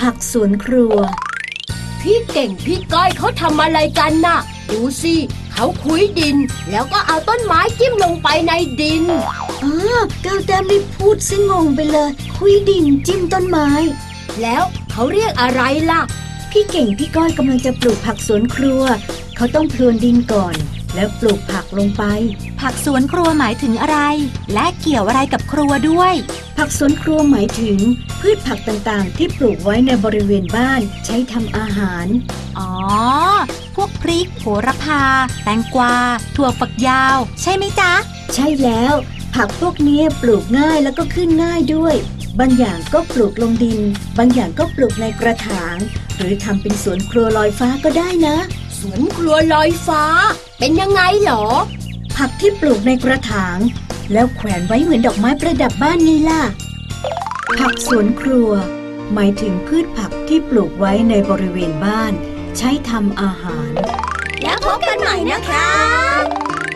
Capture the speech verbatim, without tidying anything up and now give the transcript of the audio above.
ผักสวนครัวพี่เก่งพี่ก้อยเขาทำอะไรกันน่ะดูสิเขาคุ้ยดินแล้วก็เอาต้นไม้จิ้มลงไปในดินอ๋อก้าวแต้มรีบพูดซิงงไปเลยคุยดินจิ้มต้นไม้แล้วเขาเรียกอะไรล่ะพี่เก่งพี่ก้อยกำลังจะปลูกผักสวนครัวเขาต้องพรวนดินก่อนแล้วปลูกผักลงไปผักสวนครัวหมายถึงอะไรและเกี่ยวอะไรกับครัวด้วยผักสวนครัวหมายถึงพืชผักต่างๆที่ปลูกไว้ในบริเวณบ้านใช้ทำอาหารอ๋อพวกพริกโหระพาแตงกวาถั่วฝักยาวใช่ไหมจ๊ะใช่แล้วผักพวกนี้ปลูกง่ายแล้วก็ขึ้นง่ายด้วยบางอย่างก็ปลูกลงดินบางอย่างก็ปลูกในกระถางหรือทำเป็นสวนครัวลอยฟ้าก็ได้นะสวนครัวลอยฟ้าเป็นยังไงหรอผักที่ปลูกในกระถางแล้วแขวนไว้เหมือนดอกไม้ประดับบ้านไงล่ะผักสวนครัวหมายถึงพืชผักที่ปลูกไว้ในบริเวณบ้านใช้ทำอาหารแล้วพบกันใหม่นะคะ